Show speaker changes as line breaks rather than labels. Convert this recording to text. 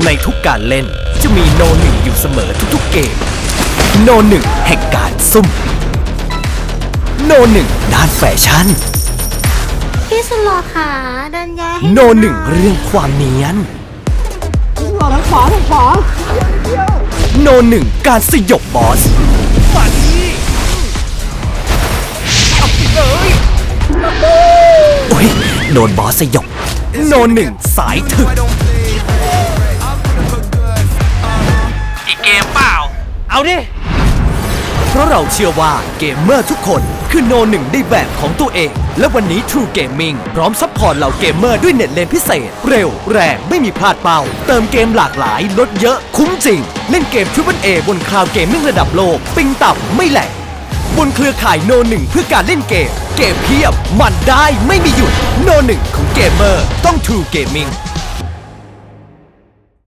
ในทุกการเล่นจะมีโนหนึ่งอยู่เสมอทุกๆเกมโนหนึ่งแห่งการซุ่มโนหนึ่งด้านแฟชั่น
พี่สุดหล่อค่ะดันยาให้
โนหนึ่งเรื่องความเนียนโนหนึ่งการสยบบอสมาดีเอาไปเลยโอ้ยโดนบอสสยบโนหนึ่งสายถึกอีกเกมเปล่าเอาดิเพราะเราเชื่อว่าเกมเมอร์ทุกคนคือโนหนึ่งในแบบของตัวเองและวันนี้ True Gaming พร้อมซัพพอร์ตเหล่าเกมเมอร์ด้วยเน็ตเลนพิเศษเร็วแรงไม่มีพลาดเป้าเติมเกมหลากหลายลดเยอะคุ้มจริงเล่นเกม Triple A บนคลาวด์เกมมิ่งระดับโลกปิงต่ำไม่แหลกบนเครือข่ายโนหนึ่งเพื่อการเล่นเกมเพียบมันได้ไม่มีหยุดโนหนึ่งของเกมเมอร์ต้อง True Gaming